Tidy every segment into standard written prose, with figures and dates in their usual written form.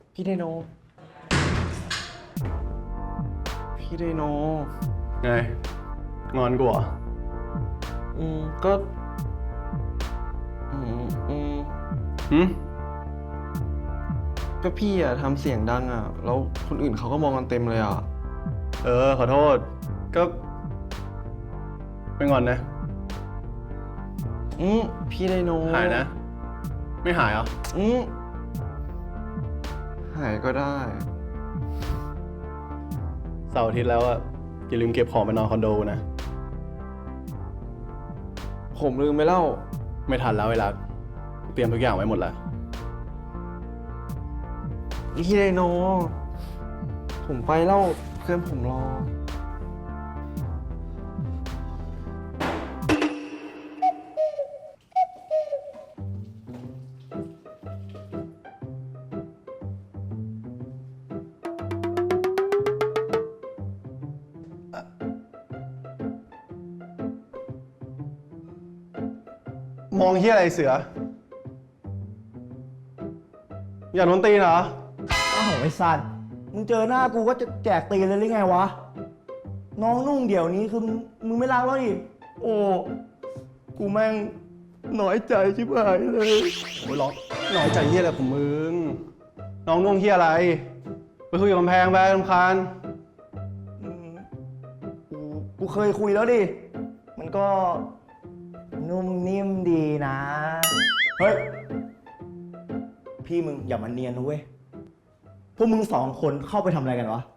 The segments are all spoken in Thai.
พี่ไดโนพี่ไดโนไงงอนกูเหรอก็หืมก็พี่อะทำเสียงดังอะแล้วคนอื่นเขาก็มองกันเต็มเลยอะขอโทษก็ไม่งอนนะพี่ไดโนหายนะไม่หายเหรอหายก็ได้เสาร์อาทิตย์แล้วอะอย่าลืมเก็บของไปนอนคอนโดนะผมลืมไปแล้วไม่ทันแล้วเวลาเตรียมทุกอย่างไว้หมดแล้วพี่ไดโนผมไปแล้วเพื่อนผมรอมองเฮียอะไรเสืออยากโดนตีนเหรออ้าวไอ้สัตว์มึงเจอหน้ากูก็จะแจกตีนเลยหรือไงวะ น้องนุ่งเดี๋ยวนี้คือมึงไม่รักแล้วดิโอ้กูแม่งน้อยใจชิบหายเลยโอ้ยร้องน้อยใจเฮียอะไรของมึงน้องนุ่งเฮียอะไรไปคุยกับกำแพงไปรำคาญกูเคยคุยแล้วดิ มันก็นุ่มนิ่มดีนะ เฮ้ย พี่มึงอย่ามาเนียนนะเว้ย พวกมึงสองคนเข้าไปทำอะไรกันวะ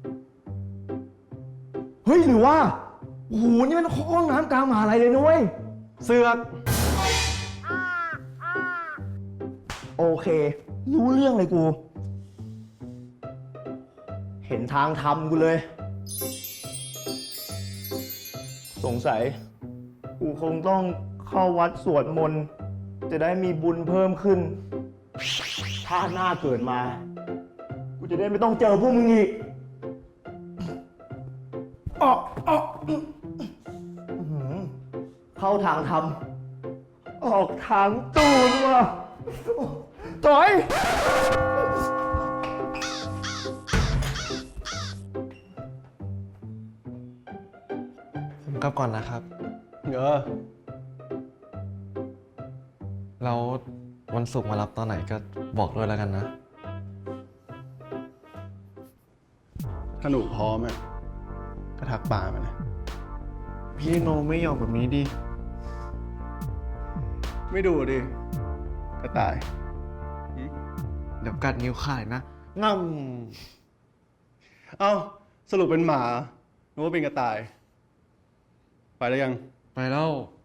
เฮ้ยหรือว่าโอ้โหนี่มันห้องน้ำกลางมหาลัยเลยนะเว้ยเสือกโอเค รู้เรื่องเลยกู เห็นทางทำกูเลย สงสัย กูคงต้องเข้าวัดสวดมนต์จะได้มีบุญเพิ่มขึ้น ถ้าหน้าเกิดมา กูจะได้ไม่ต้องเจอพวกมึงอีกเข้าทางทำออกทางตูนว่ะถอยผมกลับก่อนนะครับแล้ววันศุกร์มารับตอนไหนก็บอกด้วยแล้วกันนะถ้าหนูพร้อมอะก็ทักป่ามานะพี่ไดโนไม่ยอมแบบนี้ดิไม่ดูดิกระต่ายเดี๋ยวกัดนิ้วขาดนะง่เอ้าสรุปเป็นหมาหรือว่าเป็นกระต่าย ไปแล้วยังำไปแล้ว